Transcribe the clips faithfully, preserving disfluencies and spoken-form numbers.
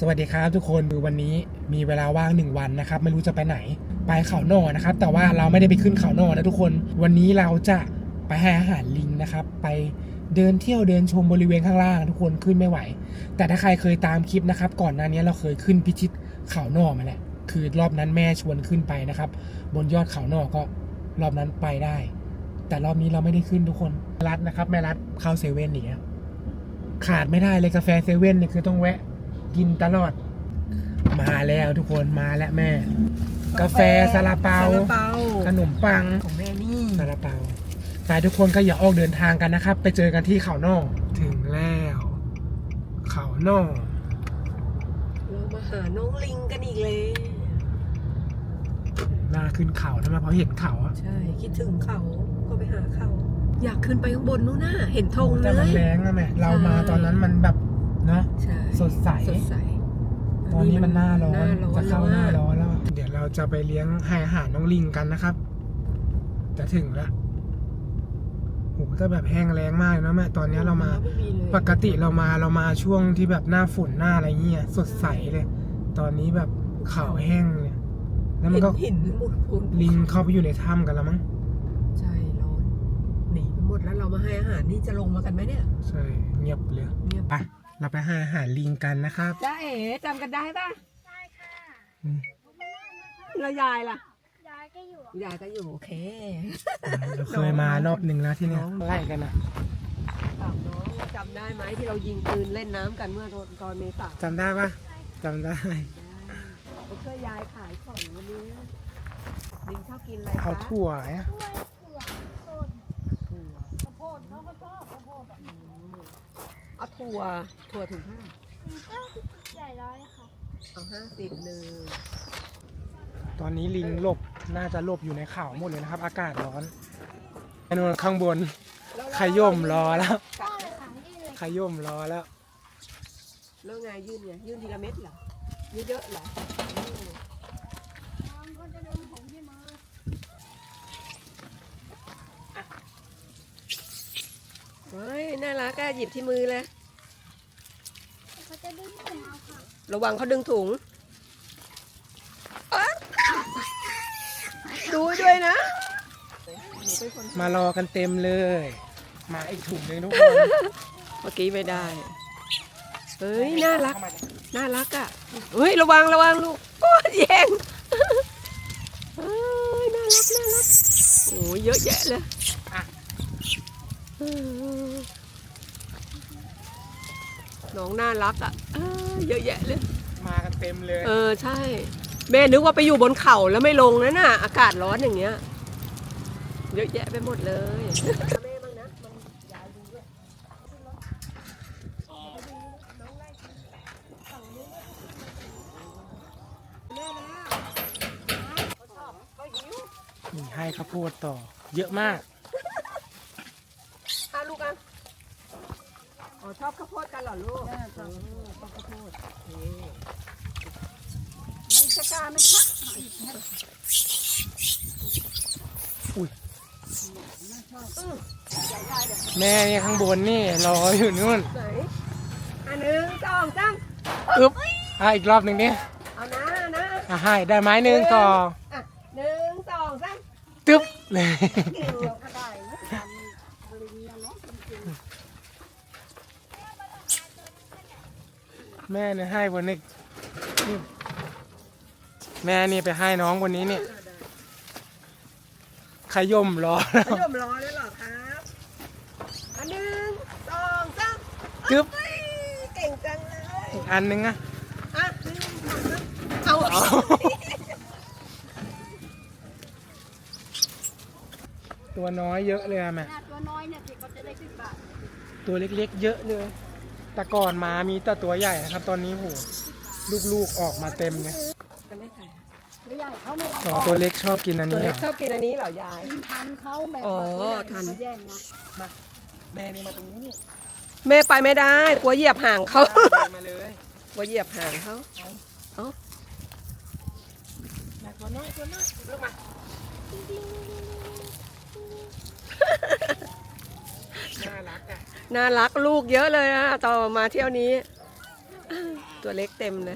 สวัสดีครับทุกคนคือวันนี้มีเวลาว่างหนึ่งวันนะครับไม่รู้จะไปไหนไปเขาโน่นะครับแต่ว่าเราไม่ได้ไปขึ้นเขาโน่นะทุกคนวันนี้เราจะไปให้อาหารลิงนะครับไปเดินเที่ยวเดินชมบริเวณข้างล่างทุกคนขึ้นไม่ไหวแต่ถ้าใครเคยตามคลิปนะครับก่อนหน้านี้เราเคยขึ้นพิชิตเขาโน่มาแล้วคือรอบนั้นแม่ชวนขึ้นไปนะครับบนยอดเขาโน่ก็รอบนั้นไปได้แต่รอบนี้เราไม่ได้ขึ้นทุกคนรัดนะครับแม่รัดเข้าเซเว่นอย่างเงี้ยขาดไม่ได้เลยกาแฟเซเว่นเนี่ยคือต้องแวะกินตลอดมาแล้วทุกคนมาแล้วแม่กาแฟซาลาเปาขนมปังของแม่นี่ซาลาเปาไปทุกคนก็อย่าออกเดินทางกันนะครับไปเจอกันที่เขาโน่ถึงแล้วเขาโน่เรามาหาน้องลิงกันอีกเลยน่าขึ้นเขาทำไมเพราะเห็นเขาอ่ะใช่คิดถึงเขาก็ไปหาเขาอยากขึ้นไปข้างบนนู้นน่ะเห็นธงเลยแต่มันแรงนะแม่เรามาตอนนั้นมันแบบเนาะสดใสสดใสตอนนี้มันหน้าร้อนจะเข้าหน้าร้อนแล้วเดี๋ยวเราจะไปเลี้ยงให้อาหารน้องลิงกันนะครับจะถึงแล้วโหถ้าแบบแห้งแล้งมากนะแม่ตอนนี้เรามาปกติเรามาเรามาช่วงที่แบบหน้าฝนหน้าอะไรเงี้ยสดใสเลยตอนนี้แบบเขาแห้งเนี่ยแล้วมันก็ลิงเข้าไปอยู่ในถ้ำกันแล้วมั้งใช่ร้อนหนีไปหมดแล้วเรามาให้อาหารนี่จะลงมากันไหมเนี่ยใช่เงียบเลยไปเราไปให้อาหารลิงกันนะครับจ้าเอ๋จำกันได้ป่ะได้ค่ะแล้วยายล่ะยายก็อยู่ยายก็อยู่โอเคเราเคยมารอบหนึ่งแล้วที่นี่ไล่กันนะถามน้องจำได้ไหมที่เรายิงปืนเล่นน้ำกันเมื่อตอนเมษาจำได้ปะจำได้ผมช่วยยายขายของวันนี้ลิงชอบกินอะไรคะเอาถั่วเนี่ยถั่วถั่วข้าวโพดเขาก็ชอบข้าวโพดแบบเอาถั่วถั่วถุงห้าใหญ่ร้อยค่ะเอาห้าสิบหนึ่งตอนนี้ลิงหลบน่าจะหลบอยู่ในเขาหมดเลยนะครับอากาศร้อนไอ้นู่นข้างบนขย่มรอแล้วขย่มรอแล้วแล้วไงยื่นไงยื่นทีละเม็ดเหรอยื่นเยอะเหรอเฮ้ยน่ารักอะหยิบที่มือเลยเขาจะดึงถุงเอาค่ะระวังเขาดึงถุงดูด้วยนะมารอกันเต็มเลยมาอีกถุงหนึ่งทุกคนเมื่อกี้ไม่ได้เฮ้ยน่ารักน่ารักอ่ะเฮ้ยระวังระวังลูกโอ้ยแย่งเฮ้ยน่ารักน่ารักโอ้ยเยอะแยะเลยน้องน่ารักอ่ะเยอะแยะเลยมากันเต็มเลยเออใช่แม่นึกว่าไปอยู่บนเขาแล้วไม่ลงนะน่ะอากาศร้อนอย่างเงี้ยเยอะแยะไปหมดเลยแม่บ้างนะมันยาวดีด้วยนี่ให้ข้าวโพดต่อเยอะมากอ่ะลูกอ่ะอ๋อชอบข้าวโพดกันเหรอลูกชอบข้าวโพดไม่จะกล้าไหมคะอุ้ยแม่นี่ข้างบนนี่รออยู่นู่นไหนอันหนึ่งสองสามอึ๊บอ่ะอีกรอบหนึ่งนี่เอานะนะอ่ะให้ได้ไม้หนึ่งต่ออ่ะหนึ่งสองสามตึ๊บเลยแม่เนี่ยให้บนนี้แม่นี่ไปให้น้องบนนี้เนี่ยขย่มรอแล้วขย่มรอเลยเหรอครับอันหนึ่งสองสามจึ๊บเก่งจังเลยอีกอันนึงอะอ่ะเอาตัวน้อยเยอะเลยอะแม่ตัวน้อยเนี่ยสิเขาจะได้สิบบาทตัวเล็กๆเยอะเลยแต่ก่อนมามีแต่ตัวใหญ่นะครับตอนนี้โหลูกๆออกมาเต็มเลยสองตัวเล็กชอบกินอันนี้เหรอชอบกินอันนี้เหรอยายทันเขาแบบอ๋อทันมาแม่นี่มาตรงนี้แม่ไปไม่ได้กลัวเหยียบห่างเขามาเลยกลัวเหยียบห่างเขาเอ้าตัวน้อยตัวน้อยลูกมาน่ารักอ่ะน่ารักลูกเยอะเลยอ่ะต่อมาเที่ยวนี้ตัวเล็กเต็มเลย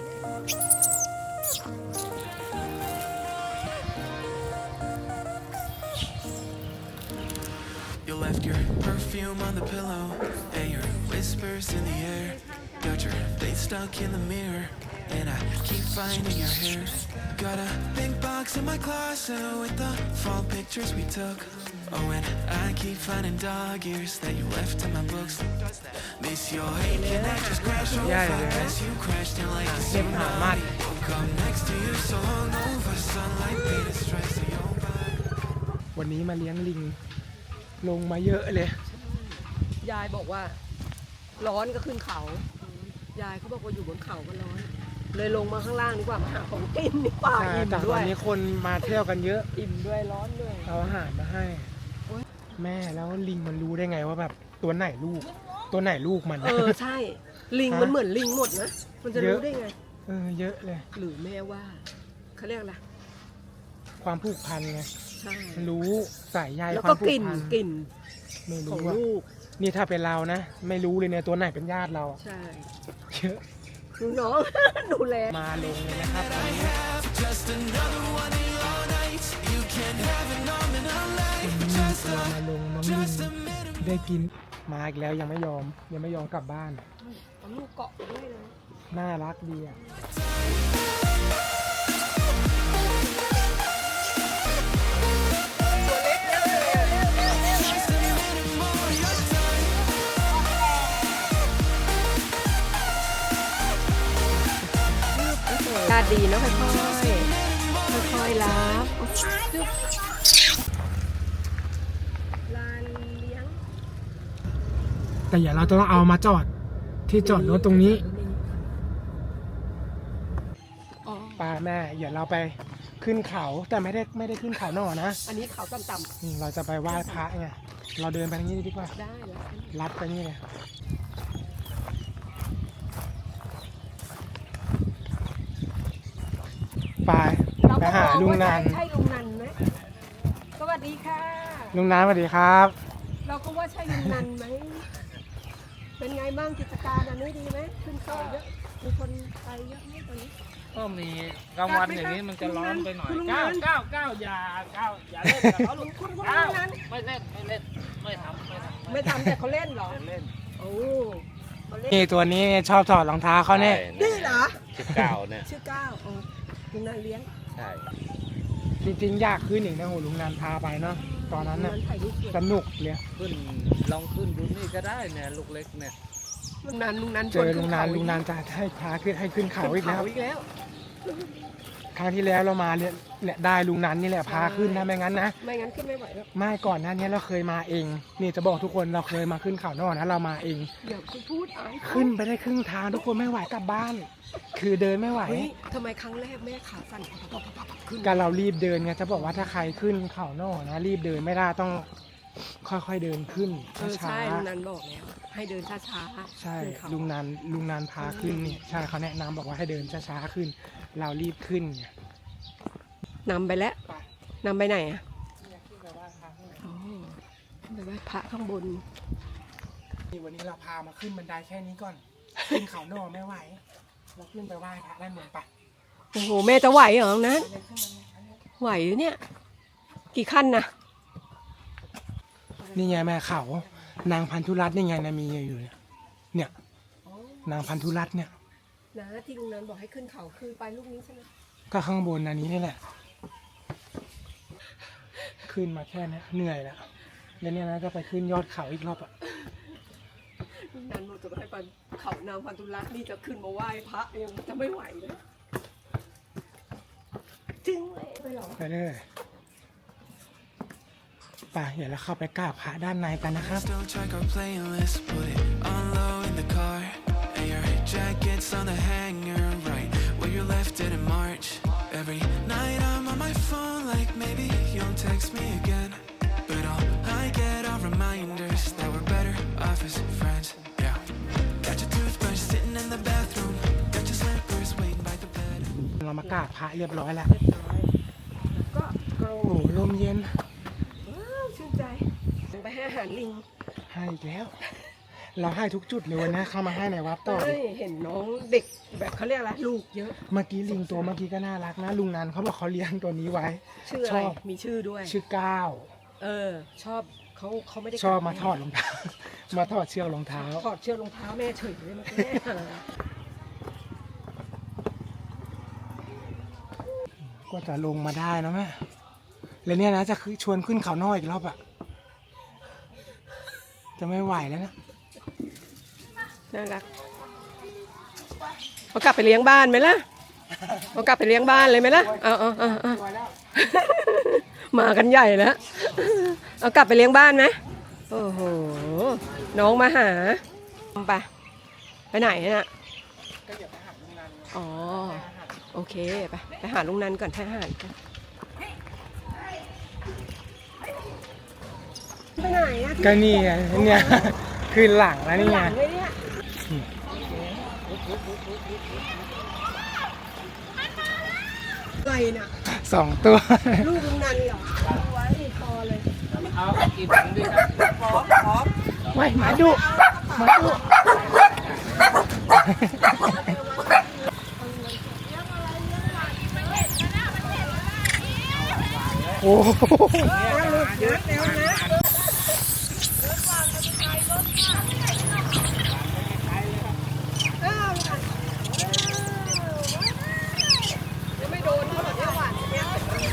You left your perfume on the pillow and your whispers in the air. Got your face stuck in the mirror and I keep finding your hair. Got a big box in my closet with the fall pictures we took. Oh, and I keep finding dog ears that you left in my books. Miss your hate and I just crashed over as you crashed in like a tsunami. Woke up next to you so hungover, sunlight made a stress of your body. วันนี้มาเลี้ยงลิงลงมาเยอะเลยยายบอกว่า ร้อนก็ขึ้นเขา ยายเขาบอกว่าอยู่บนเขาก็ร้อน เลยลงมาข้างล่างดีกว่ามาหาของกินดีกว่าใช่อิ่มแต่ด้วัวน ยนี้คนมาเที่ยวกันเยอะอิ่มด้วยร้อนด้วยเอาอาหารมาให้โอ๊ยแม่แล้วลิงมันรู้ได้ไงว่าแบบตัวไหนลูก ตัวไหนลูกมันเออใช่ ลิงมันเหมือนลิงหมดนะ มันจะรู้ได้ไงเออเยอะเลยหรือแม่ว่าเขาเรียกอะไรความผูกพันไงใช่มันรู้สายใยแล้วคก็วามผูกกลิ่นพันกลิ่นไม่ของรู้ว่าลูกนี่ถ้าเป็นเรานะ ไม่รู้เลยเนี่ยตัวไหนเป็นญาติเราอะใช่เยอะดูน้อง ดูแลมาลงเลยนะครับตอนนี้ Just another one of your nights. You can't have it all in a life. มี Just ตัว a มาลงน้องลิง Just a minute. ได้กินมาอีกแล้วยังไม่ยอม ยังไม่ยอมกลับบ้านเอาลูกเกาะไปด้วยเลยน่ารักดีอ่ะตาดีเนาะค่อยๆ ค่อยๆรับลานเลี้ยงแต่อย่าเราต้องเอามาจอดที่จอดรถตรงนี้อ๋อป้าแม่อย่าเราไปขึ้นเขาแต่ไม่ได้ไม่ได้ขึ้นเขาหน่อนะอันนี้เขาต่ำอืมเราจะไปไหว้พระไงเราเดินไปทางนี้ดีกว่าๆได้แล้วลัดไปนี่เลยไปไปหาลุงนันใช่ลุงนันไหมสวัสดีค่ะลุงนันสวัสดีครับเราก็ว่าใช่ลุงนันไหม เป็นไงบ้างกิจการอันนี้ดีไหมขึ้นเขาเยอะ มีคนไปเยอะไหมตอนนี้ก็มีกลางวันอย่างนี้มันจะร้อนไปหน่อยคุณลุงเก้านั้นเก้าเก้าอย่าเก้าอย่าเล่นกับเขาลุงคุณคุณเก้าลุงนั้นไม่เล่นไม่เล่นไม่ทำไม่ทำไม่ทำแต่เขาเล่นเหรอเล่นโอ้เขาเล่นนี่ตัวนี้ชอบถอดรองเท้าเขาเนี่ยนี่เหรอสิบเก้าเนี่ยชื่อก้าวอ๋อลุงนันเลี้ยงใช่จริงๆอยากขึ้นอีกนะโหลุงนันพาไปเนาะตอนนั้นลุงน่ะนันถ่ายรูปสวยสนุกเลยขึ้นลองขึ้นดูนี่ก็ได้เนี่ยลูกเล็กเนี่ยลุงนันลุงนันเจอลุงนันลุงนันจะให้พาขึ้นให้ขึ้นเขาอีกแล้วเขาอีกแล้วครั้งที่แล้วเรามาเนี่ยแหละได้ลุงนันนี่แหละพาขึ้นนะไม่งั้นนะไม่งั้นขึ้นไม่ไหวแล้วไม่ก่อนหน้านี้เราเคยมาเอง นี่จะบอกทุกคนเราเคยมาขึ้นเขานอกนะเรามาเองเดี๋ยวคุณพูดอายขึ้นไปได้ครึ่งทางทุกคนไม่ไหวกลับบ้าน คือเดินไม่ไหวเฮ้ยทำไมครั้งแรกแม่ขาสั่นปับปับปับปับขึ้นการเรารีบเดินไงจะบอกว่าถ้าใครขึ้นเขานอกนะรีบเดินไม่ได้ต้องค่อยๆเดินขึ้นเออช้าใช่ลุงนันบอกแล้ว ให้เดินช้าๆๆใช่ขึ้นเขาลุงนันลุงนันพาขึ้นนี่ใช่เขาแนะนำบอกว่าให้เดินช้าๆขึ้น เรารีบขึ้นไงนำไปแล้วไปนำไปไหนอ่ะเนี่ยขึ้นไปไหว้พระข้างบนอ๋อไปไหว้พระข้างบนนี่วันนี้เราพามาขึ้นบันไดแค่นี้ก่อน ขึ้นเขานอกไม่ไหว เราขึ้นไปไหว้พระด้านบนไปโอ้โหแม่จะไหวเหรอนั้นไหวหรือเนี่ย กี่ขั้นนะนี่ไงแม่เขา นางพันธุรัตน์นี่ไงนะมีอยู่เนี่ยเนี่ย นางพันธุรัตน์เนี่ยนะที่ลุงนันบอกให้ขึ้นเขาคือไปลูกนี้ใช่ไหมก็ข้างบนอันนี้นี่แหละ ขึ้นมาแค่เนี้ยเหนื่อยแล้วแล้วเนี่ยนะจะไปขึ้นยอดเขาอีกรอบอ่ะลุงนันบอกจะให้ไปเขานางพันธุรัตน์นี่จะขึ้นมาไหว้พระยังจะไม่ไหวเลยจริงเลยไปหรอไปเลยไปเดี๋ยวเราเข้าไปกราบพระด้านในกันนะครับ Don't check our playlist, put it on low in the car. And your jacket's on the hanger, right where you left it in March. Every night I'm on my phone, like maybe you'll text me again. But all I get are reminders that we're better off as friends. Yeah. Got your toothbrush sitting in the bathroom. Got your slippers waiting by the bed. เรามากราบพระเรียบร้อยแล้วเรียบร้อยก็เอาโอ้โหลมเย็นว้าวชื่นใจไปให้อาหารลิงให้อีกแล้วเราให้ทุกจุดเลยวันนี้เข้ามาให้ในวัดต่อเฮ้ยเห็นน้องเด็กแบบเขาเรียกอะไรลูกเยอะเมื่อกี้ลิงตัวเมื่อกี้ก็น่ารักนะลุงนันเขาบอกเขาเลี้ยงตัวนี้ไว้ชื่ออะชไรอบมีชื่อด้วยชื่อก้าวเออ ชอบเขาเขาไม่ได้ชอบกัดมาถอดรองเท้า มาถอดเชือกรองเท้าถอดเชือกรองเท้าแม่เฉยเลยเมื่อกี้แม่ก็จะลงมาได้นะแม่แล้วเนี่ยนะจะคือชวนขึ้นเขาน้อยอีกรอบอะจะไม่ไหวแล้วนะน่ารักเอากลับไปเลี้ยงบ้านไหมล่ะเอากลับไปเลี้ยงบ้านเลยไหมล่ะเอาเอาเอาเอามากันใหญ่แล้วเอากลับไปเลี้ยงบ้านไหมโอ้โหน้องมาหาไปไปไหนน่ะก็อย่าไปหักลุงนันอ๋อโอเคไปไปหาลุงนันก่อนให้อาหารกันไปไหนอะก็นี่ไงเนี่ยคืนหลังแล้วนี่ไงหลังเลยเนี่ยอะไรน่ะสองตัวลูกลุงนันเหรอเอาไว้พอเลยเอากินถุงด้วยครับพร้อมพร้อมไว้หมาดุหมาดุโอ้โหเยอะแล้วนะยังไม่โดนเท่าไหร่เนี่ยหวานเนี่ย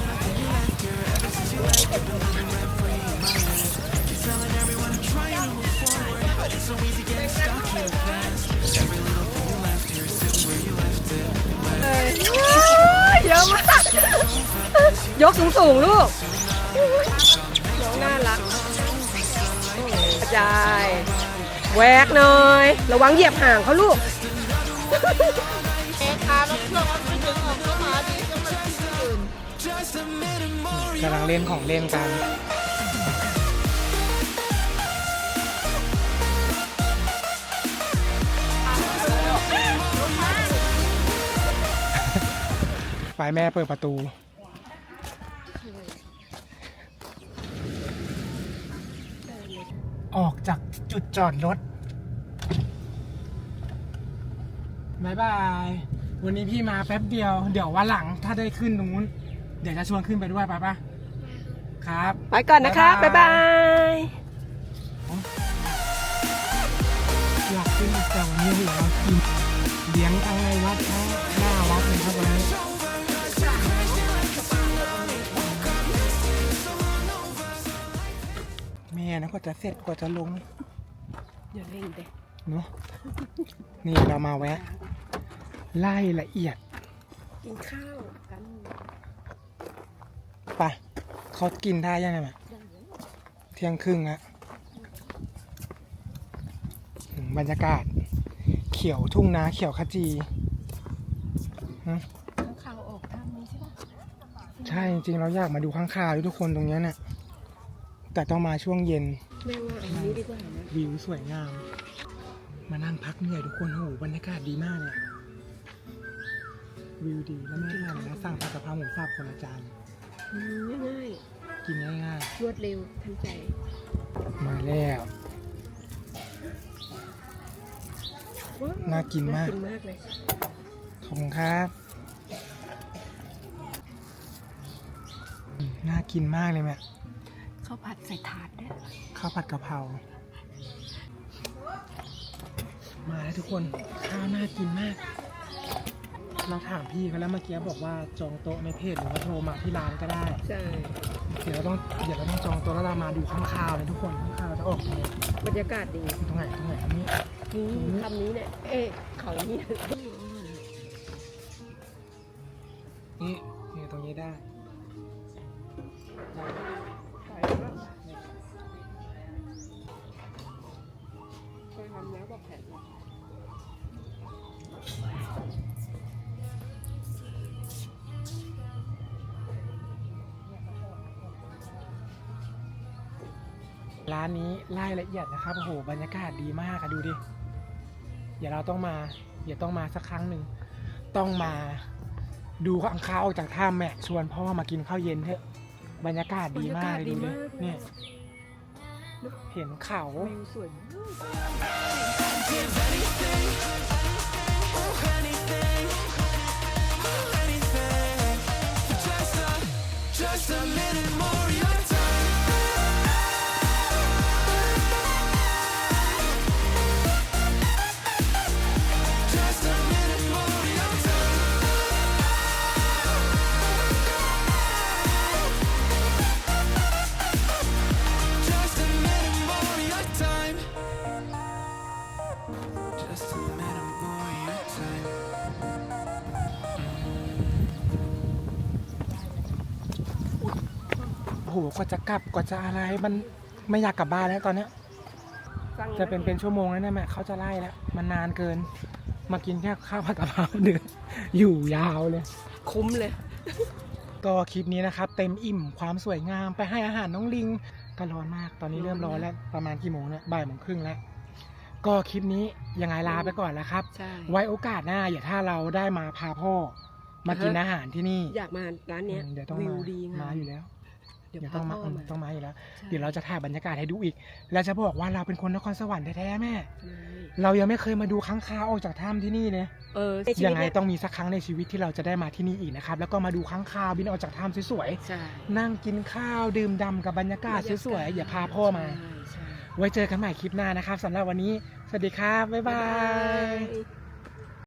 เยอะมาก ยกสูงสูงๆลูก น้องน่ารักกระจายแหวกหน่อย ระวังเหยียบห่างเขาลูกกำลังเล่นของเล่นกัน ฝ่ายแม่เปิดประตู ออกจากจุดจอดรถบายบาย วันนี้พี่มาแป๊บเดียว เดี๋ยววันหลังถ้าได้ขึ้นตรงนู้น เดี๋ยวจะชวนขึ้นไปด้วยไปปะครับไปก่อนนะคะ บ๊ายบายอยากขึ้นอีกแต่วันนี้เหลือเรากินเลี้ยงทั้งในวัดทั้งหน้าวัดเลยครับวันนี้แม่นะกว่าจะเสร็จกว่าจะลงอย่าเล่นเด็กเนาะนี่เรามาแวะ ไล่ละเอียดกินข้าวกันไปเขากินได้ยังไงแม่เที่ยงครึ่งแล้วอืมบรรยากาศ เขียวทุ่งนาเขียวขจีฮะข้างข่าวออกทางนี้ใช่ปะใช่จริงๆเราอยากมาดูข้างคาวด้วยทุกคนตรงเนี้ยเนี่ยแต่ต้องมาช่วงเย็นแม่ว่าอันนี้ดีกว่านะวิวสวยงาม มานั่งพักเหนื่อยทุกคนโอ้โหบรรยากาศดีมากเลยอะวิวดีแล้วแม่ทานนะสั่งผัดกะเพราหมูสับคนละจานอืมง่ายกินง่ายๆรวดเร็วทันใจๆมาแล้วว้วน่ากินมากน่ากินมากเลยขอบคุณครับอืมน่ากินมากเลยแม่ข้าวผัดใส่ถาดด้วยข้าวผัดกะเพรามาแล้วทุกคนข้าวน่ากินมาก เราถามพี่เขาแล้วเมื่อกี้บอกว่าจองโต๊ะในเพจหรือว่าโทรมาที่ร้านก็ได้ใช่เดี๋ยวเราต้องเดี๋ยวเราต้องจองโต๊ะแล้วเรามาดูข้างคาวเลยทุกคนข้างคาวจะออกยังไงบรรยากาศดีตรงไหนตรงไหนอันนี้นี่คำนี้เนี่ย เอ๊ะเขานี่นี่นี่ตรงนี้ได้ได้เคยทำแล้วบอกแผนร้านนี้ไล่ละเอียดนะครับโอ้โหบรรยากาศดีมากอะดูดิเดี๋ยวเราต้องมาเดี๋ยวต้องมาสักครั้งหนึ่งต้องมาดูข้างคาวออกจากถ้ำแม่ชวนพ่อมากินข้าวเย็นเถอะบรรยากาศดีมากเลยดูดิเนี่ยเห็นเขาวิวสวยมาก Give anything, oh anything, oh anything, for just a, just a minute more of your time. Just a minute more of your time. Just a minute more of your time. Just a minute more of your time. โอ้โหกว่าจะกลับกว่าจะอะไรมันไม่อยากกลับบ้านแล้วตอนเนี้ยสั่งจะเป็นเป็นชั่วโมงแล้วเนี่ยแม่เขาจะไล่แล้วมันนานเกิน มากินแค่ข้าวผัดกะเพราเดือนอยู่ยาวเลยคุ้มเลยก็คลิปนี้นะครับ เต็มอิ่มความสวยงามไปให้อาหารน้องลิงก็ร้อนมากตอนนี้เริ่มร้อนแล้วประมาณกี่โมงเนี่ยบ่ายโมงครึ่งแล้วก็คลิปนี้ยังไงลาไปก่อนแล้วครับใช่ไว้โอกาสหน้าอย่าถ้าเราได้มาพาพ่อมากินอาหารที่นี่อยากมาร้านเนี้ยอืมเดี๋ยวต้องวิมาวดีงามมาอยู่แล้วเดี๋ยวเดี๋ยวพาต้องมาพ่ออืมมาต้องมาอยู่แล้วใช่เดี๋ยวเราจะถ่ายบรรยากาศให้ดูอีก แล้วจะบอกว่าเราเป็นคนนครสวรรค์แท้ๆแม่ใช่เรายังไม่เคยมาดูค้างคาวออกจากถ้ำที่นี่เลยเออในชีวิยัตงไงเนี่ยต้องมีสักครั้งในชีวิตที่เราจะได้มาที่นี่อีกนะครับ แล้วก็มาดูค้างคาวบินออกจากถ้ำสวยใช่ๆ นั่งกินข้าวดื่มด่ำกับบรรยากาศสวยๆ อย่าพาพ่อมาใช่ใช่ไว้เจอกันใหม่คลิปหน้านะครับสำหรับวันนี้ สวัสดีครับ บ๊ายบายบ๊ายบาย